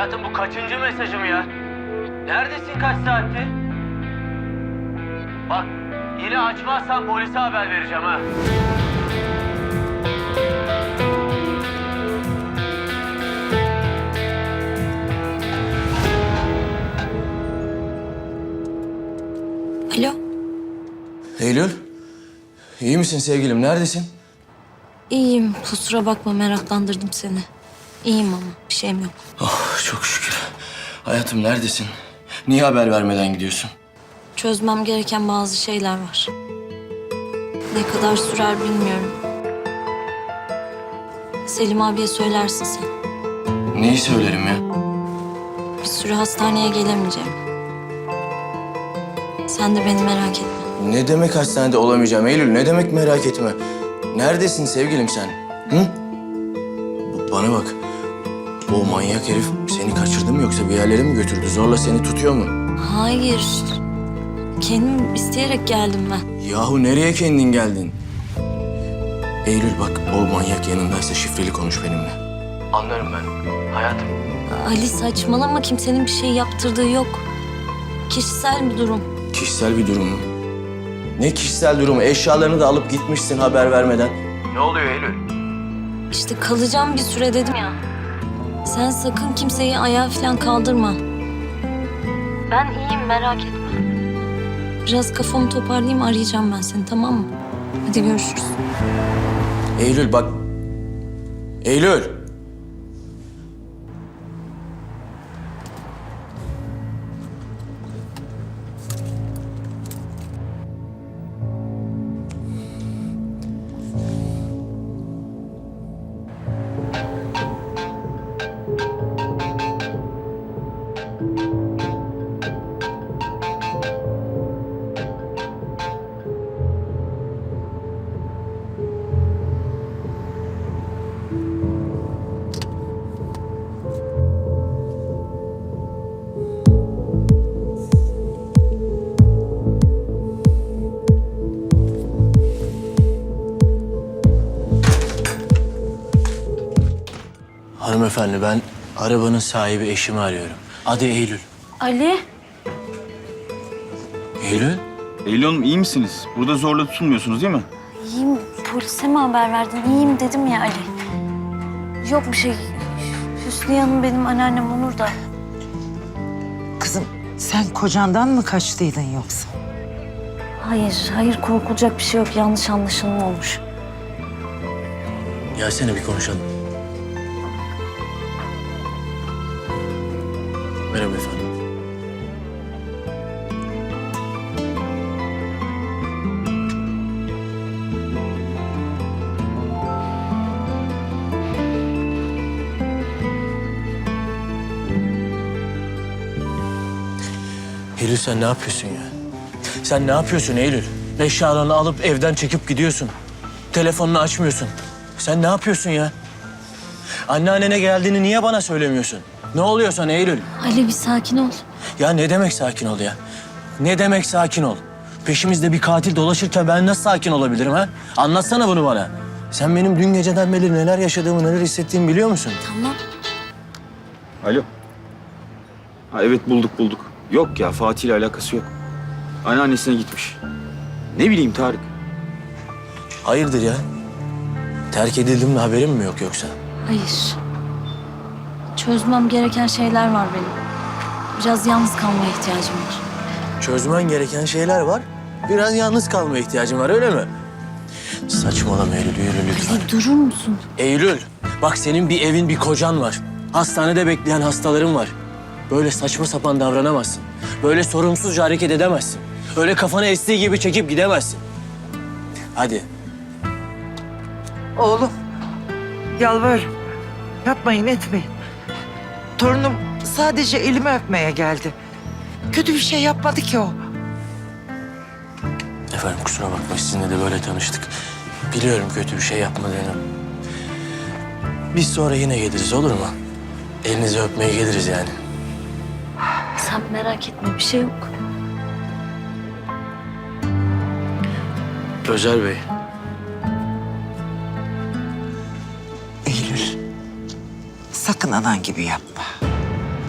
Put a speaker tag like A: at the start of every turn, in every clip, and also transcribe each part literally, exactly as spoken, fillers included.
A: Hayatım bu kaçıncı mesajım ya? Neredesin kaç saattir? Bak yine açmazsan polise haber vereceğim ha.
B: Alo.
C: Eylül, iyi misin sevgilim? Neredesin?
B: İyiyim. Kusura bakma, meraklandırdım seni. İyiyim ama bir şeyim yok.
C: Oh, çok şükür. Hayatım neredesin? Niye haber vermeden gidiyorsun?
B: Çözmem gereken bazı şeyler var. Ne kadar sürer bilmiyorum. Selim abiye söylersin sen.
C: Neyi söylerim ya?
B: Bir süre hastaneye gelemeyeceğim. Sen de beni merak etme.
C: Ne demek hastanede olamayacağım Eylül? Ne demek merak etme? Neredesin sevgilim sen? Hı? B- Bana bak. O manyak herif seni kaçırdı mı yoksa bir yerlere mi götürdü? Zorla seni tutuyor mu?
B: Hayır. Kendim isteyerek geldim ben.
C: Yahu nereye kendin geldin? Eylül bak, o manyak yanındaysa şifreli konuş benimle. Anlarım ben. Hayatım.
B: Ali saçmalama, kimsenin bir şey yaptırdığı yok. Kişisel bir durum.
C: Kişisel bir durum mu? Ne kişisel durumu? Eşyalarını da alıp gitmişsin haber vermeden. Ne oluyor Eylül?
B: İşte kalacağım bir süre dedim ya. Sen sakın kimseyi ayağa falan kaldırma. Ben iyiyim, merak etme. Biraz kafamı toparlayayım, arayacağım ben seni, tamam mı? Hadi görüşürüz.
C: Eylül bak. Eylül. Hanımefendi, ben arabanın sahibi eşimi arıyorum. Adı Eylül.
B: Ali?
C: Eylül?
D: Eylül Hanım iyi misiniz? Burada zorla tutulmuyorsunuz değil mi?
B: İyiyim, polise mi haber verdin? İyiyim dedim ya Ali. Yok bir şey. Hüsniye Hanım benim anneannem Onur da.
E: Kızım sen kocandan mı kaçtıydın yoksa?
B: Hayır, hayır korkulacak bir şey yok. Yanlış anlaşılma olmuş.
C: Gelsene bir konuşalım. Merhaba efendim. Eylül sen ne yapıyorsun ya? Sen ne yapıyorsun Eylül? Eşyalarını alıp evden çekip gidiyorsun. Telefonunu açmıyorsun. Sen ne yapıyorsun ya? Anneannene geldiğini niye bana söylemiyorsun? Ne oluyor sana Eylül?
B: Ali bir sakin ol.
C: Ya ne demek sakin ol ya? Ne demek sakin ol? Peşimizde bir katil dolaşırken ben nasıl sakin olabilirim ha? Anlatsana bunu bana. Sen benim dün geceden beri neler yaşadığımı, neler hissettiğimi biliyor musun?
B: Tamam.
D: Alo. Ha, evet bulduk bulduk. Yok ya Fatih ile alakası yok. Anneannesine gitmiş. Ne bileyim Tarık.
C: Hayırdır ya? Terk edildim mi haberim mi yok yoksa?
B: Hayır. Çözmem gereken şeyler var benim. Biraz yalnız kalmaya ihtiyacım var.
C: Çözmen gereken şeyler var. Biraz yalnız kalmaya ihtiyacım var öyle mi? Saçmalama Eylül, yürü lütfen.
B: Ali durur musun?
C: Eylül, bak senin bir evin, bir kocan var. Hastanede bekleyen hastaların var. Böyle saçma sapan davranamazsın. Böyle sorumsuzca hareket edemezsin. Öyle kafanı estiği gibi çekip gidemezsin. Hadi.
E: Oğlum yalvarırım. Yapmayın etmeyin. Torunum sadece elimi öpmeye geldi. Kötü bir şey yapmadı ki o.
C: Efendim kusura bakma sizinle de böyle tanıştık. Biliyorum kötü bir şey yapmadığını. Biz sonra yine geliriz olur mu? Elinizi öpmeye geliriz yani.
B: Sen merak etme, bir şey yok.
C: Özer Bey.
E: Eylül sakın anan gibi yapma.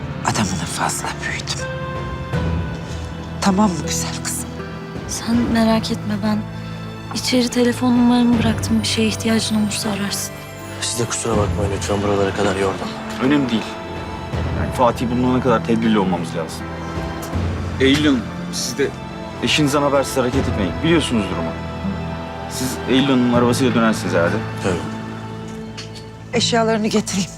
E: fazla büyüdüm. Tamam mı güzel kızım?
B: Sen merak etme, ben içeri telefon numaramı bıraktım. Bir şeye ihtiyacın olursa ararsın.
C: Siz de kusura bakmayın lütfen buralara kadar yordum.
D: Önemli değil. Yani Fatih bulunana kadar tedbirli olmamız lazım. Eylül Hanım, siz de eşinizden habersiz hareket etmeyin. Biliyorsunuz durumu. Siz Eylül Hanım'ın arabasıyla dönersiniz herhalde.
C: Tabii.
E: Eşyalarını getireyim.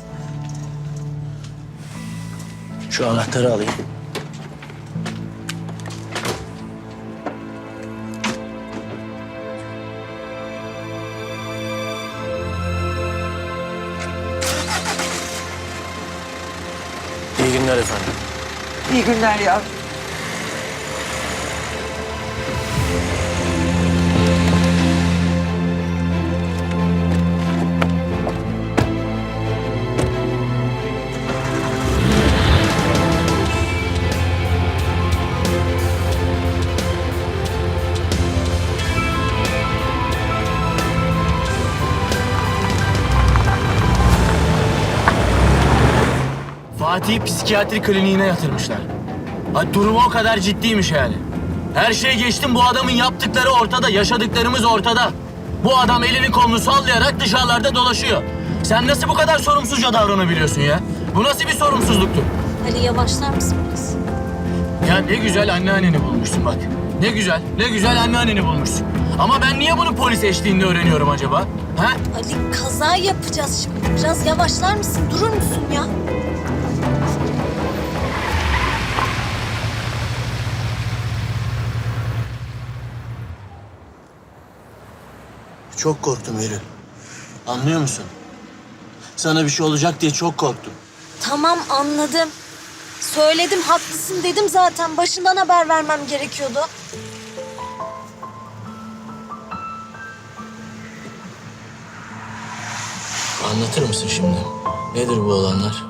C: Şu anahtarı alayım. İyi günler efendim.
E: İyi günler yavrum.
C: Fatih'i psikiyatri kliniğine yatırmışlar. Ha, durumu o kadar ciddiymiş yani. Her şey geçtim, bu adamın yaptıkları ortada, yaşadıklarımız ortada. Bu adam elini kolunu sallayarak dışarılarda dolaşıyor. Sen nasıl bu kadar sorumsuzca davranabiliyorsun ya? Bu nasıl bir sorumsuzluktur?
B: Ali yavaşlar mısın biraz?
C: Ya ne güzel anneanneni bulmuşsun bak. Ne güzel, ne güzel anneanneni bulmuşsun. Ama ben niye bunu polis eşliğinde öğreniyorum acaba? Ha?
B: Ali kaza yapacağız şimdi. Biraz yavaşlar mısın? Durur musun ya?
C: Çok korktum Eylül. Anlıyor musun? Sana bir şey olacak diye çok korktum.
B: Tamam, anladım. Söyledim, haklısın dedim zaten. Başından haber vermem gerekiyordu.
C: Anlatır mısın şimdi? Nedir bu olanlar?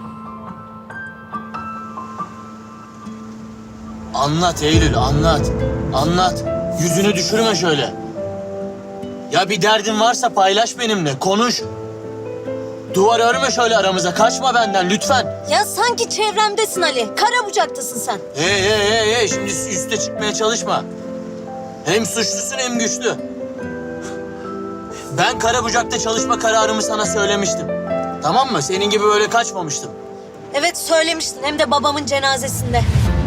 C: Anlat Eylül, anlat. Anlat. Yüzünü düşürme şöyle. Ya bir derdin varsa paylaş benimle, konuş. Duvar örme şöyle aramıza, kaçma benden lütfen.
B: Ya sanki çevremdesin Ali. Karabucak'tasın sen.
C: Hey hey hey hey, şimdi üste çıkmaya çalışma. Hem suçlusun hem güçlü. Ben Karabucak'ta çalışma kararımı sana söylemiştim. Tamam mı? Senin gibi böyle kaçmamıştım.
B: Evet söylemiştin, hem de babamın cenazesinde.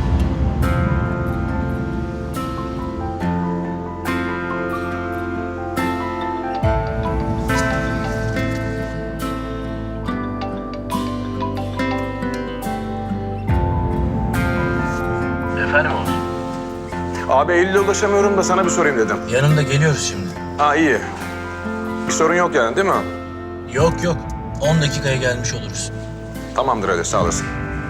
C: Efendim oğlum?
F: Abi Eylül'e ulaşamıyorum da sana bir sorayım dedim.
C: Yanımda geliyoruz şimdi.
F: Ha iyi. Bir sorun yok yani değil mi?
C: Yok yok. on dakikaya gelmiş oluruz.
F: Tamamdır hadi sağ olasın.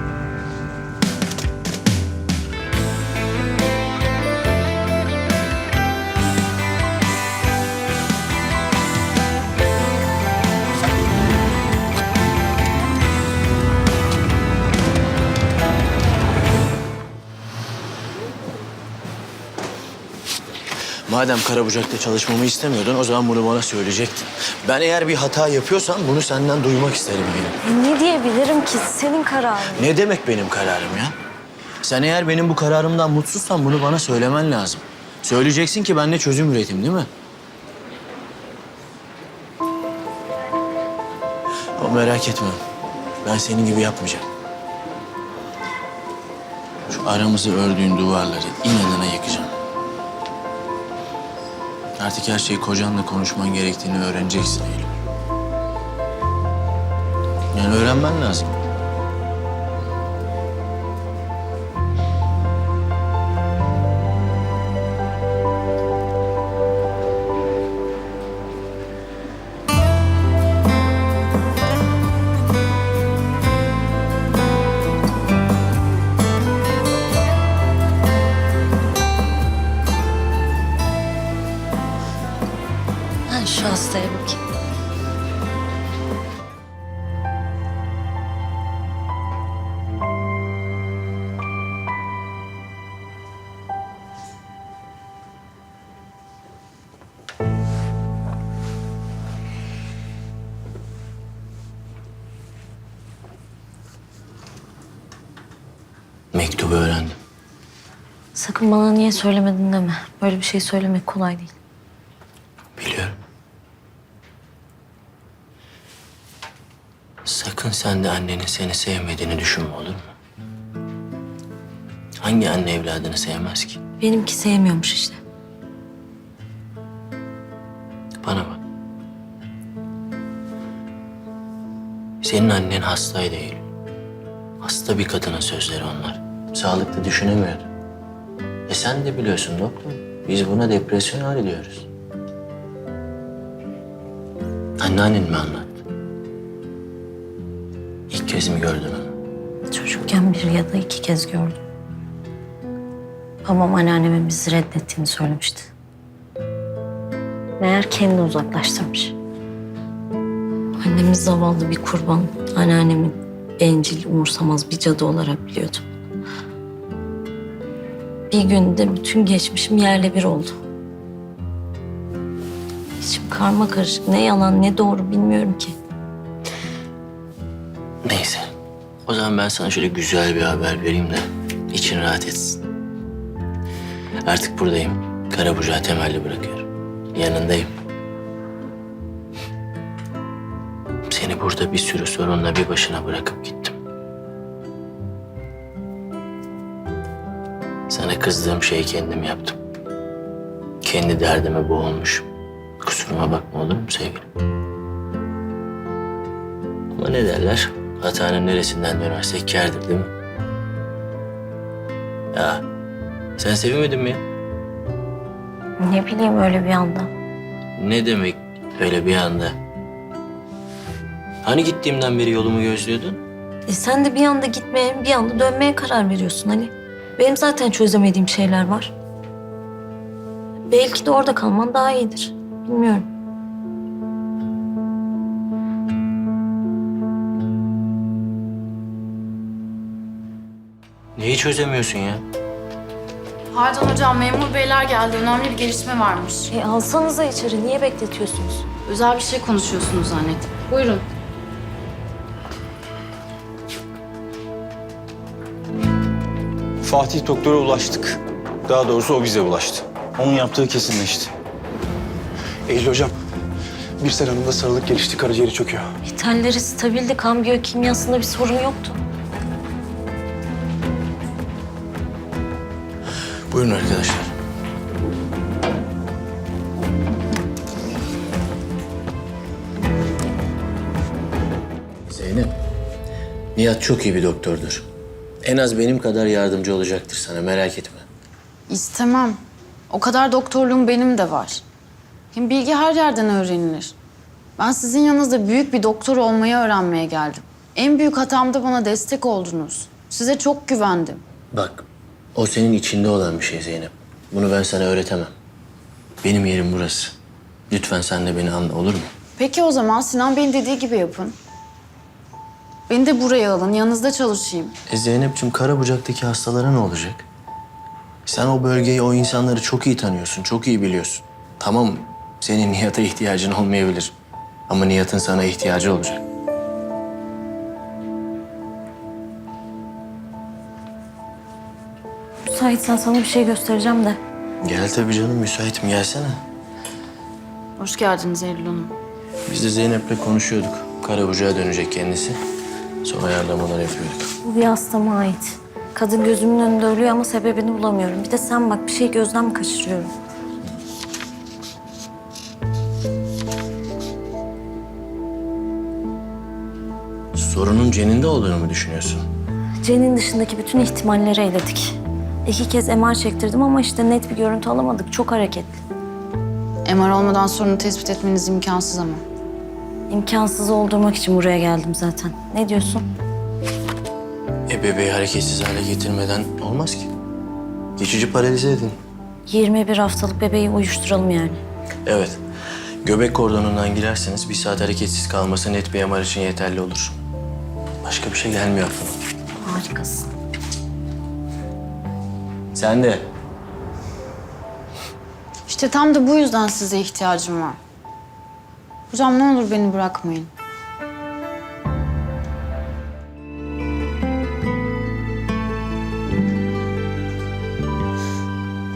C: Madem Karabucak'ta çalışmamı istemiyordun, o zaman bunu bana söyleyecektin. Ben eğer bir hata yapıyorsam bunu senden duymak isterim benim.
B: Ne diyebilirim ki? Senin kararın.
C: Ne demek benim kararım ya? Sen eğer benim bu kararımdan mutsuzsan bunu bana söylemen lazım. Söyleyeceksin ki ben de çözüm üreteyim, değil mi? Ama merak etme. Ben senin gibi yapmayacağım. Şu aramızı ördüğün duvarları inadına yıkacağım. Artık her şeyi kocanla konuşman gerektiğini öğreneceksin Eylül. Yani öğrenmen lazım.
B: Ben şu hastaya bakayım.
C: Mektubu öğrendim.
B: Sakın bana niye söylemedin deme. Böyle bir şey söylemek kolay değil.
C: Biliyorum. Sakın sen de annenin seni sevmediğini düşünme, olur mu? Hangi anne evladını sevmez ki?
B: Benimki sevmiyormuş işte.
C: Bana bak. Senin annen hastaydı Eylül. Hasta bir kadının sözleri onlar. Sağlıklı düşünemiyordu. E sen de biliyorsun doktor. Biz buna depresyon hali diyoruz. Anneannen mi anlattı? İlk kez mi gördün onu?
B: Çocukken bir ya da iki kez gördüm. Babam anneannemin bizi reddettiğini söylemişti. Meğer kendi uzaklaştırmış. Annemiz zavallı bir kurban. Anneannemin bencil, umursamaz bir cadı olarak biliyordum. Bir günde bütün geçmişim yerle bir oldu. İçim karma karışık. Ne yalan ne doğru bilmiyorum ki.
C: Neyse. O zaman ben sana şöyle güzel bir haber vereyim de için rahat etsin. Artık buradayım. Karabucağı temelli bırakıyorum. Yanındayım. Seni burada bir sürü sorunla bir başına bırakıp gittim. Sana kızdığım şeyi kendim yaptım. Kendi derdime boğulmuşum. Kusuruma bakma, olur mu sevgilim? Ama ne derler? Hatanın neresinden dönersek kârdır, değil mi? Ya sen sevinmedin mi ya?
B: Ne bileyim öyle bir anda.
C: Ne demek öyle bir anda? Hani gittiğimden beri yolumu gözlüyordun?
B: E sen de bir anda gitmeye, bir anda dönmeye karar veriyorsun Ali. Benim zaten çözemediğim şeyler var. Belki de orada kalman daha iyidir. Bilmiyorum.
C: Neyi çözemiyorsun ya?
G: Pardon hocam, memur beyler geldi. Önemli bir gelişme varmış.
B: E alsanıza içeri. Niye bekletiyorsunuz?
G: Özel bir şey konuşuyorsunuz zannettim. Buyurun.
D: Fatih doktora ulaştık. Daha doğrusu o bize ulaştı. Onun yaptığı kesinleşti.
F: Eylül hocam, bir Hanım'da sarılık gelişti, karaciğeri çöküyor.
B: İthalleri stabildi. Kan biyokimyasında bir sorun yoktu.
C: Buyurun arkadaşlar. Zeynep, Nihat çok iyi bir doktordur. En az benim kadar yardımcı olacaktır sana, merak etme.
G: İstemem. O kadar doktorluğum benim de var. Hem bilgi her yerden öğrenilir. Ben sizin yanınızda büyük bir doktor olmayı öğrenmeye geldim. En büyük hatamda bana destek oldunuz. Size çok güvendim.
C: Bak, o senin içinde olan bir şey Zeynep. Bunu ben sana öğretemem. Benim yerim burası. Lütfen sen de beni anla, olur mu?
G: Peki o zaman Sinan Bey'in dediği gibi yapın. Beni de buraya alın, yanınızda çalışayım.
C: E Zeynep'ciğim, Karabucak'taki hastalara ne olacak? Sen o bölgeyi, o insanları çok iyi tanıyorsun, çok iyi biliyorsun. Tamam, senin Nihat'a ihtiyacın olmayabilir. Ama Nihat'ın sana ihtiyacı olacak.
B: Müsaitsen sana bir şey göstereceğim de.
C: Gel tabii canım, müsaitim, gelsene.
G: Hoş geldiniz Eylül Hanım.
C: Biz de Zeynep'le konuşuyorduk. Karabucak'a dönecek kendisi. Son ayarlamalar yapıyorduk.
B: Bu bir hastama ait. Kadın gözümün önünde ölüyor ama sebebini bulamıyorum. Bir de sen bak, bir şey gözden mi kaçırıyorum?
C: Sorunun Cen'inde olduğunu mu düşünüyorsun?
B: Cen'in dışındaki bütün ihtimalleri eledik. İki kez M R çektirdim ama işte net bir görüntü alamadık. Çok hareketli.
G: M R olmadan sorunu tespit etmeniz imkansız ama.
B: İmkansız oldurmak için buraya geldim zaten. Ne diyorsun?
C: E bebeği hareketsiz hale getirmeden olmaz ki. Geçici paralize edin.
B: yirmi bir haftalık bebeği uyuşturalım yani.
C: Evet. Göbek kordonundan girerseniz bir saat hareketsiz kalması net bir M R için yeterli olur. Başka bir şey gelmiyor aklıma.
B: Harikasın.
C: Sen de.
G: İşte tam da bu yüzden size ihtiyacım var. Hocam ne olur beni bırakmayın.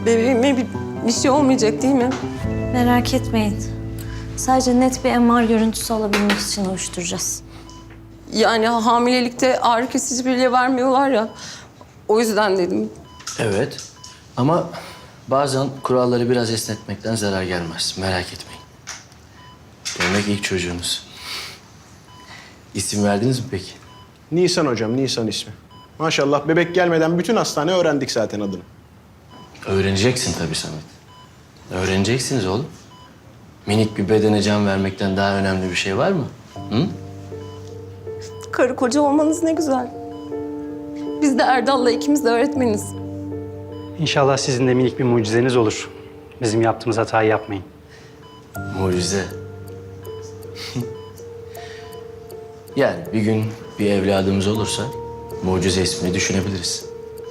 H: Bebeğime bir, bir şey olmayacak değil mi?
B: Merak etmeyin. Sadece net bir M R görüntüsü alabilmek için uyuşturacağız.
H: Yani hamilelikte ağrı kesici bile vermiyorlar ya. O yüzden dedim.
I: Evet ama bazen kuralları biraz esnetmekten zarar gelmez. Merak etmeyin. Demek ilk çocuğunuz. İsim verdiniz mi peki?
J: Nisan hocam, Nisan ismi. Maşallah bebek gelmeden bütün hastane öğrendik zaten adını.
I: Öğreneceksin tabii Samet. Öğreneceksiniz oğlum. Minik bir bedene can vermekten daha önemli bir şey var mı? Hı?
H: Karı koca olmanız ne güzel. Biz de Erdal'la ikimiz de öğretmeniz.
K: İnşallah sizin de minik bir mucizeniz olur. Bizim yaptığımız hatayı yapmayın.
I: Mucize. Yani bir gün bir evladımız olursa mucize ismini düşünebiliriz.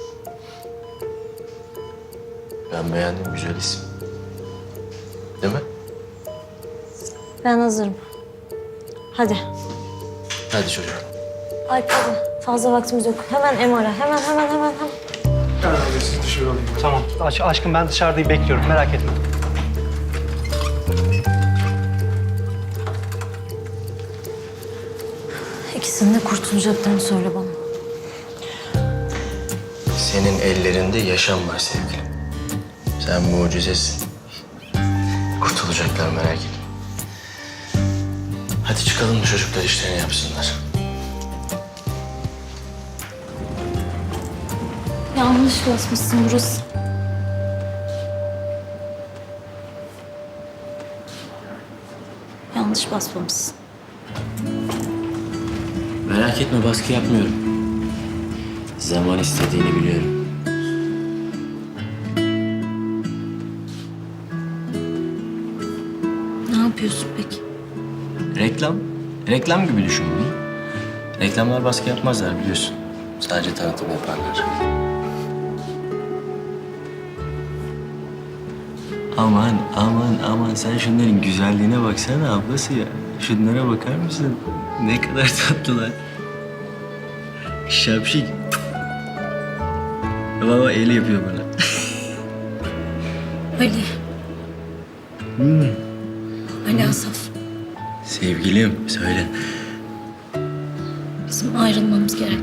I: Ben beğendim, güzel isim. Değil mi?
B: Ben hazırım. Hadi.
I: Hadi çocuk.
B: Alp hadi. Fazla vaktimiz yok. Hemen M R'a. Hemen hemen hemen hemen.
K: Tamam. Aş aşkım ben dışarıdayım bekliyorum. Merak etme.
B: İkisinin de kurtulacaklarını söyle bana.
I: Senin ellerinde yaşam var sevgilim. Sen mucizesin. Kurtulacaklar merak etme. Hadi çıkalım da çocuklar işlerini yapsınlar.
B: Yanlış basmışsın burası. Yanlış basmamışsın.
I: Merak etme baskı yapmıyorum. Zaman istediğini biliyorum.
B: Ne yapıyorsun peki?
I: Reklam. Reklam gibi düşün bunu. Reklamlar baskı yapmazlar biliyorsun. Sadece tanıtım yaparlar. Aman aman aman sen şunların güzelliğine baksana ablası ya. Şunlara bakar mısın? Ne kadar tatlılar. Şapşik. Baba el yapıyor bana.
B: Ali.
I: Hmm.
B: Ali Asaf.
I: Sevgilim söyle.
B: Bizim ayrılmamız gerek.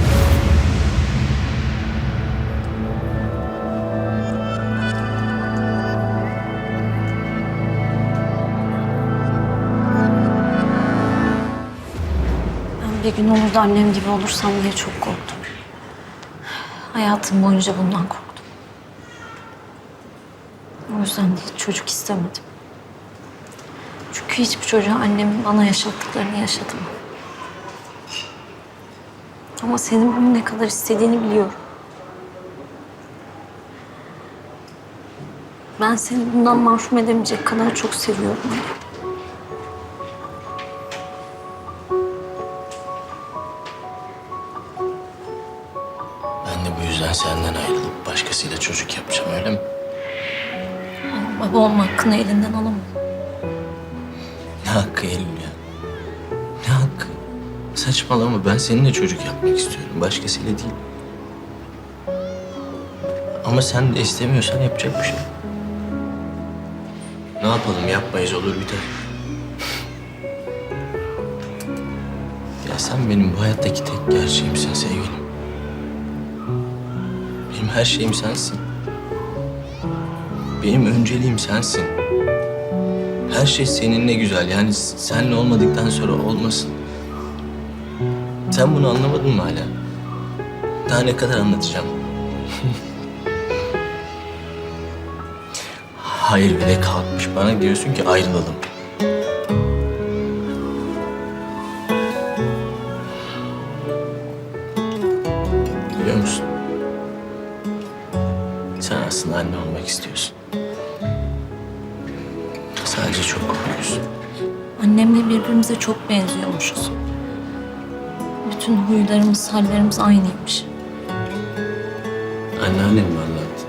B: Ben bir gün olur da annem gibi olursam diye çok korktum. Hayatım boyunca bundan korktum. O yüzden de hiç çocuk istemedim. Çünkü hiçbir çocuğa annemin bana yaşattıklarını yaşadım. Ama senin bunu ne kadar istediğini biliyorum. Ben seni bundan mahrum edemeyecek kadar çok seviyorum.
I: Ben de bu yüzden senden ayrılıp başkasıyla çocuk yapacağım öyle mi?
B: Baba olma hakkını elinden alamam.
I: Ne hakkı Eylül ya? Ne hakkı? Saçmalama ben seninle çocuk yapmak istiyorum. Başkasıyla değil. Ama sen de istemiyorsan yapacak bir şey yok. Ne yapalım yapmayız olur biter. Ya sen benim bu hayattaki tek gerçeğimsin sevgilim. Benim her şeyim sensin. Benim önceliğim sensin. Her şey seninle güzel. Yani senle olmadıktan sonra olmasın. Sen bunu anlamadın mı hala? Daha ne kadar anlatacağım? Hayır bile kalkmış. Bana diyorsun ki ayrılalım. Biliyor musun? Sen aslında anne olmak istiyorsun. Sadece çok korkuyorsun.
B: Annemle birbirimize çok benziyormuşuz. Bütün huylarımız, hallerimiz aynıymış.
I: Anneannem mi anlattı?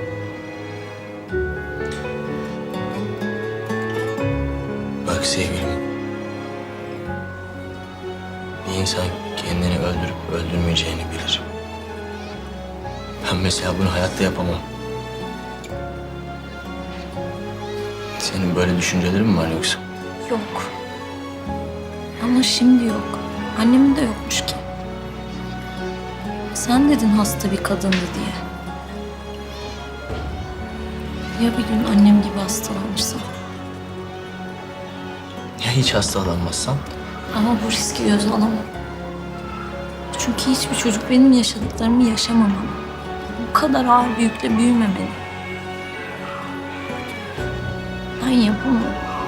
I: Bak sevgilim. Bir insan kendini öldürüp öldürmeyeceğini bilir. Ben mesela bunu hayatta yapamam. Senin böyle düşüncelerin mi var yoksa?
B: Yok. Ama şimdi yok. Annemin de yokmuş ki. Sen dedin hasta bir kadındı diye. Ya bir gün annem gibi hastalanırsa?
I: Ya hiç hastalanmazsan?
B: Ama bu riski göze alamam. Çünkü hiçbir çocuk benim yaşadıklarımı yaşamamalı. Bu kadar ağır bir yükle büyümemeli. Ben yapamam.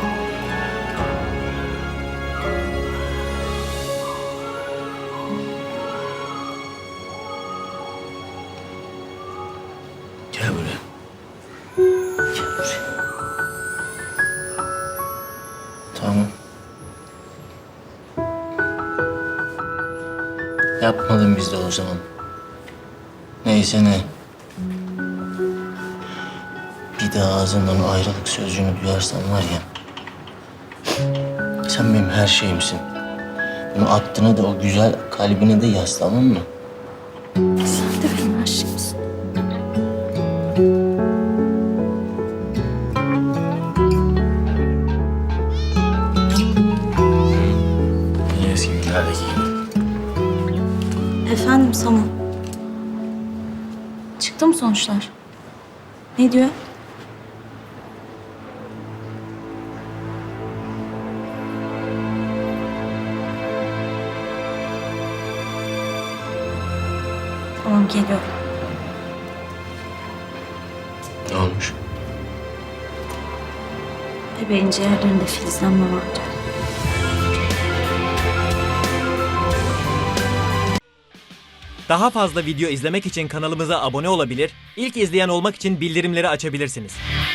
I: Gel buraya. Gel buraya. Tamam. Yapmadın biz de o zaman. Neyse ne. Bir daha ağzından o ayrılık sözcüğünü duyarsan var ya... Sen benim her şeyimsin. Bunu aklına da o güzel kalbine de yaz, tamam mı?
B: Sen de benim her şeyimsin.
I: Yine eski günlerdeki gibi.
B: Efendim Samu. Çıktı mı sonuçlar? Ne diyor? Tamam geliyorum.
I: Ne olmuş?
B: Bebeğin ciğerlerinde filizlenme vardı.
L: Daha fazla video izlemek için kanalımıza abone olabilir, ilk izleyen olmak için bildirimleri açabilirsiniz.